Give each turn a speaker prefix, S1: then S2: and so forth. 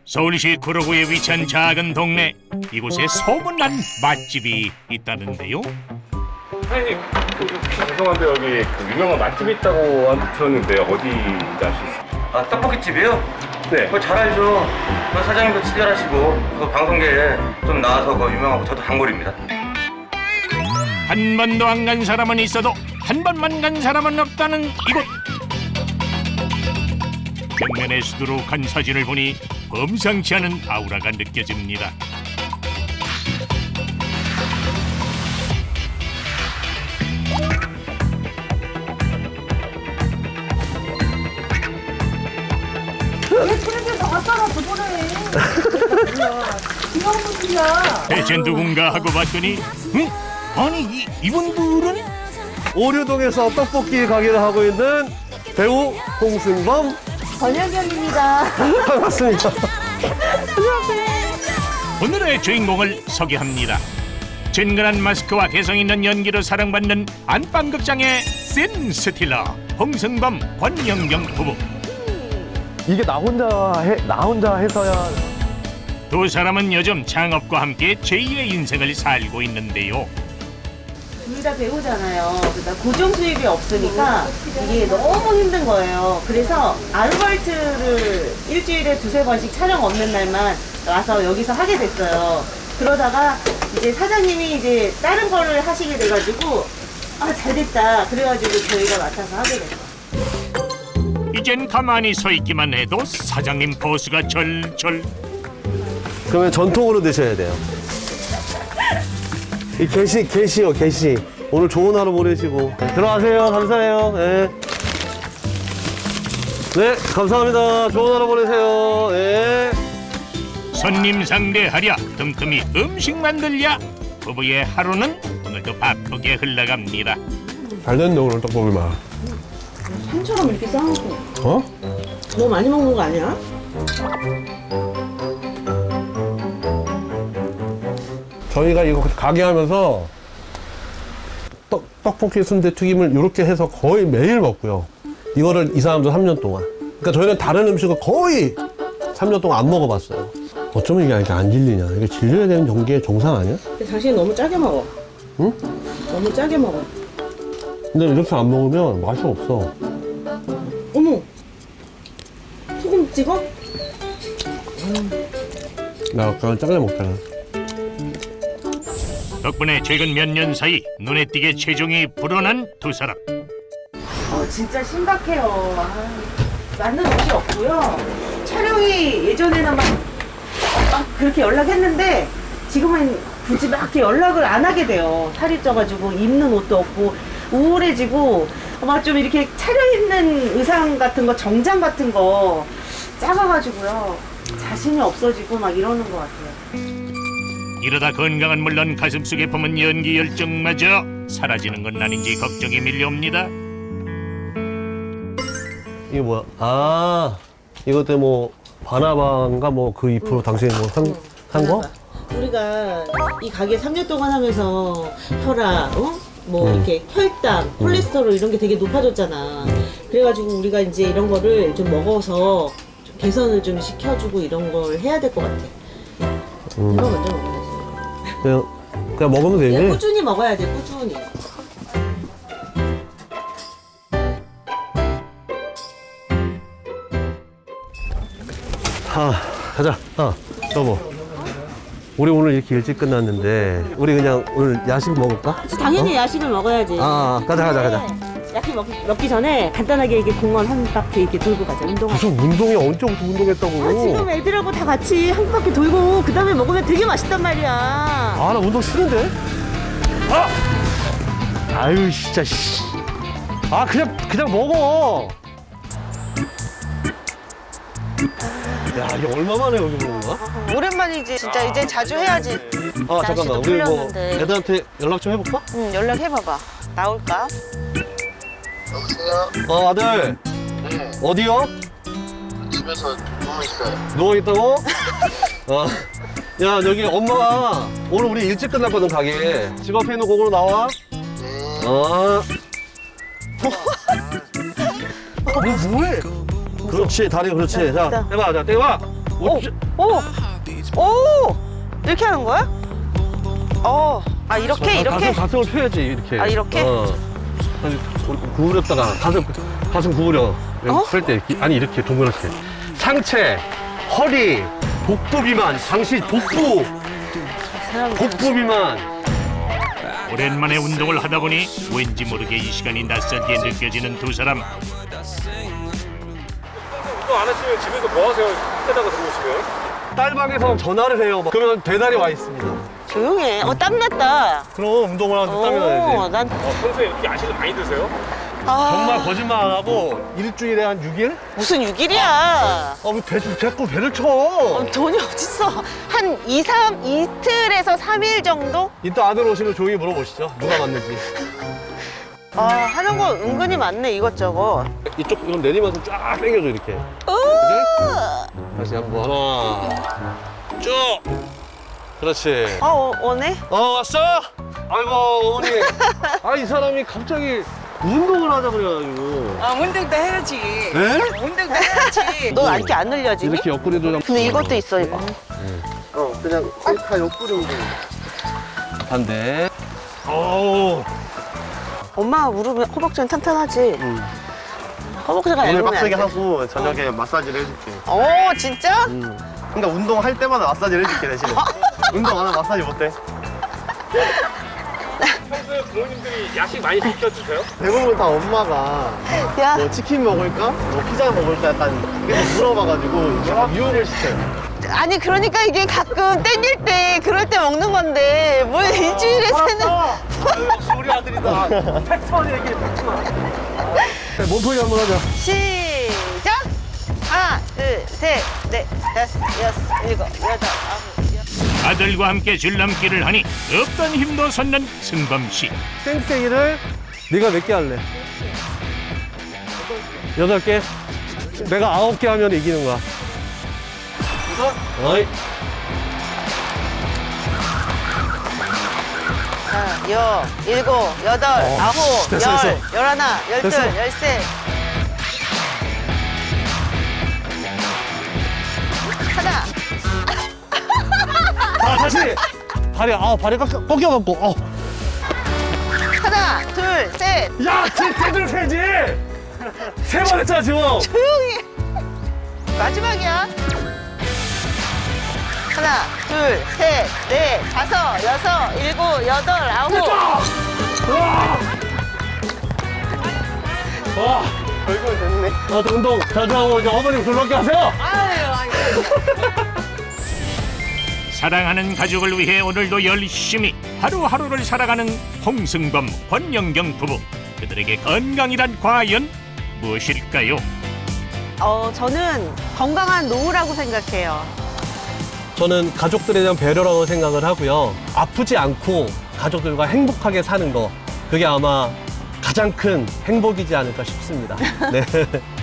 S1: 서울시 구로구에 위치한 작은 동네. 이곳에 소문난 맛집이 있다는데요.
S2: 사장님, 죄송한데 여기 그 유명한 맛집이 있다고 들었는데 어디인지 알 수 있어요?
S3: 아, 떡볶이집이요?
S2: 네.
S3: 그거 잘 알죠. 그 사장님도 친절하시고 그 방송계에 좀 나와서 그 유명하고 저도 단골입니다.
S1: 한 번도 안 간 사람은 있어도 한 번만 간 사람은 없다는 이곳. 벽면에 수두룩한 사진을 보니 범상치 않은 아우라가 느껴집니다.
S4: 텔레비전 나왔잖아 저번에. 이거 무슨이야?
S1: 대체 누군가 하고 봤더니 응? 아니 이분들은?
S5: 오류동에서 떡볶이 가게를 하고 있는 배우 홍승범
S4: 권혁연입니다.
S5: 반갑습니다.
S1: 오늘의 주인공을 소개합니다. 진근한 마스크와 개성 있는 연기로 사랑받는 안방극장의 센 스틸러 홍승범 권영경 부부.
S5: 이게 나 혼자 해서야.
S1: 두 사람은 요즘 창업과 함께 제2의 인생을 살고 있는데요.
S4: 둘 다 배우잖아요. 그러니까 고정 수입이 없으니까 이게 너무 힘든 거예요. 그래서 아르바이트를 일주일에 두세 번씩 촬영 없는 날만 와서 여기서 하게 됐어요. 그러다가 이제 사장님이 이제 다른 거를 하시게 돼가지고 아 잘됐다. 그래가지고 저희가 맡아서 하게 됐어요.
S1: 이젠 가만히 서 있기만 해도 사장님 보수가 절절.
S5: 그러면 전통으로 드셔야 돼요. 이 게시요, 게시. 오늘 좋은 하루 보내시고. 네, 들어가세요. 감사해요. 네. 네, 감사합니다. 좋은 하루 보내세요. 네.
S1: 손님 상대하랴 틈틈이 음식 만들랴. 부부의 하루는 오늘도 바쁘게 흘러갑니다.
S5: 잘 됐네, 오늘 떡볶이 맛.
S4: 산처럼 이렇게 싸놓고
S5: 어?
S4: 너무 많이 먹는 거 아니야?
S5: 저희가 이거 가게 하면서 떡볶이 순대 튀김을 이렇게 해서 거의 매일 먹고요. 이거를 이 사람도 3년 동안. 그러니까 저희는 다른 음식을 거의 3년 동안 안 먹어봤어요. 어쩌면 이게 이렇게 안 질리냐. 이게 질려야 되는 경계의 정상 아니야?
S4: 근데 당신이 너무 짜게 먹어.
S5: 응?
S4: 너무 짜게 먹어.
S5: 근데 이렇게 안 먹으면 맛이 없어.
S4: 어머! 소금 찍어?
S5: 나 약간 짜게 먹잖아.
S1: 덕분에 최근 몇 년 사이 눈에 띄게 체중이 불어난 두 사람.
S4: 진짜 심각해요. 맞는 옷이 없고요. 촬영이 예전에는 막 그렇게 연락했는데 지금은 굳이 막 이렇게 연락을 안 하게 돼요. 살이 쪄가지고 입는 옷도 없고 우울해지고 막 좀 이렇게 차려입는 의상 같은 거, 정장 같은 거 작아가지고요. 자신이 없어지고 막 이러는 것 같아요.
S1: 이러다 건강은 물론 가슴속에 품은 연기 열정마저 사라지는 건 아닌지 걱정이 밀려옵니다.
S5: 이게 뭐야? 아, 이것도 뭐 바나바인가 뭐 그 잎으로 당신이 뭐 산 거?
S4: 우리가 이 가게 3년 동안 하면서 혈압, 뭐 이렇게 혈당, 콜레스테롤 이런 게 되게 높아졌잖아. 그래가지고 우리가 이제 이런 거를 좀 먹어서 좀 개선을 좀 시켜주고 이런 걸 해야 될 것 같아. 이거 먼저 먹어야지.
S5: 그냥 먹으면
S4: 그냥
S5: 되지.
S4: 꾸준히 먹어야 돼, 꾸준히.
S5: 가자. 여보. 우리 오늘 이렇게 일찍 끝났는데 우리 그냥 오늘 야식 먹을까?
S4: 당연히 야식을 먹어야지.
S5: 가자.
S4: 야식 먹기 전에 간단하게 이게 공원 한 바퀴 이렇게 돌고 가자, 운동하자.
S5: 무슨 운동이 언제부터 운동했다고?
S4: 지금 애들하고 다 같이 한 바퀴 돌고 그 다음에 먹으면 되게 맛있단 말이야.
S5: 나 운동 싫은데? 아유, 진짜, 씨. 그냥 먹어. 야, 이게 얼마만에 여기 보는 거야?
S6: 오랜만이지 진짜 이제 자주 해야지.
S5: 잠깐만. 우리 뭐,
S6: 풀렸는데.
S5: 애들한테 연락 좀 해볼까?
S6: 응, 연락해봐봐. 나올까?
S5: 아들.
S7: 네,
S5: 어디요?
S7: 집에서 누워있어요.
S5: 누워있다고? 야, 여기 엄마가 오늘 우리 일찍 끝났거든, 가게. 집 앞에 있는 곳으로 나와. 뭐해? 그렇지, 다리 그렇지. 자, 해봐, 자, 떼봐.
S6: 오! 오! 오! 이렇게 하는 거야? 아 이렇게 이렇게?
S5: 가슴을 펴야지 이렇게.
S6: 아, 이렇게?
S5: 아니, 구부렸다가 가슴 구부려. 펼 때 아니 이렇게 동그랗게. 상체, 허리, 복부 비만, 당시 복부 비만.
S1: 오랜만에 운동을 하다 보니 왠지 모르게 이 시간이 낯설게 느껴지는 두 사람.
S2: 운동 안 하시면 집에서 뭐 하세요? 떼다가 들어오시면?
S5: 딸방에서 전화를 해요. 그러면 배달이 와 있습니다.
S6: 조용해. 땀났다.
S5: 그럼 운동을 하는데 땀이 나야지.
S6: 난
S2: 평소에 이렇게 야식을 많이 드세요?
S5: 정말 거짓말 안 하고 일주일에 한 6일?
S6: 무슨 6일이야.
S5: 자꾸 배를 쳐.
S6: 돈이 어딨어. 한 이틀에서 3일 정도?
S5: 이따 아들 오시면 조용히 물어보시죠. 누가 맞는지.
S6: 하는 거 은근히 많네, 이것저것.
S5: 이쪽 이건 내리면서 쫙 당겨줘 이렇게. 다시 한번 하나 쭉. 그렇지.
S6: 오네?
S5: 왔어? 아이고 어머니. 이 사람이 갑자기 운동을 하자 그래가지고.
S8: 운동도 해야지.
S5: 네?
S8: 운동도 해야지.
S6: 너 이렇게 안 늘려지니?
S5: 이렇게 옆구리도 좀.
S6: 근데 이것도 있어, 이거.
S7: 그냥 다 옆구리 운동.
S5: 반대. 오.
S6: 엄마가 무릎이 허벅지는 탄탄하지? 허벅지가
S7: 오늘
S6: 얇으면
S7: 빡세게
S6: 안 돼.
S7: 하고 저녁에 마사지를 해줄게.
S6: 진짜?
S7: 그러니까 운동할 때마다 마사지를 해줄게 대신에. 운동 안 하면 마사지 못해.
S2: 평소에 부모님들이 야식 많이 시켜주세요?
S7: 대부분 다 엄마가
S6: 야,
S7: 뭐 치킨 먹을까? 뭐 피자 먹을까? 약간 계속 물어봐가지고 약간 유혹을 시켜요.
S6: 아니 그러니까 이게 가끔 땡길 때 그럴 때 먹는 건데 뭘 일주일에 세는
S5: 역시 우리 아들이다. 팩트만 얘기해 팩트만. 몸풀기 한번 하자.
S6: 시작! 하나, 둘, 셋, 넷, 다섯, 여섯, 일곱, 여덟, 아홉, 열.
S1: 아들과 함께 줄넘기를 하니 없던 힘도 솟는 승범 씨.
S5: 땡땡이를 네가 몇 개 할래? 8개? 내가 9개 하면 이기는 거야. 어이.
S6: 하나, 일곱, 여덟, 아홉,
S5: 됐어,
S6: 열,
S5: 됐어.
S6: 열하나, 열둘,
S5: 됐어.
S6: 열셋. 하나,
S5: 다시. 발이 꺾여갖고.
S6: 하나, 둘, 셋.
S5: 야, 제대로 세지. 3번 했잖아 지금.
S6: 조용히. 마지막이야. 하나, 둘, 셋, 넷, 다섯, 여섯, 일곱, 여덟, 아홉.
S5: 와.
S7: 결국은 됐네.
S5: 운동 자주하고 이제 어머님 줄넘기 하세요.
S1: 사랑하는 가족을 위해 오늘도 열심히 하루하루를 살아가는 홍승범, 권영경 부부. 그들에게 건강이란 과연 무엇일까요?
S6: 저는 건강한 노후라고 생각해요.
S5: 저는 가족들에 대한 배려라고 생각을 하고요. 아프지 않고 가족들과 행복하게 사는 거. 그게 아마 가장 큰 행복이지 않을까 싶습니다. 네.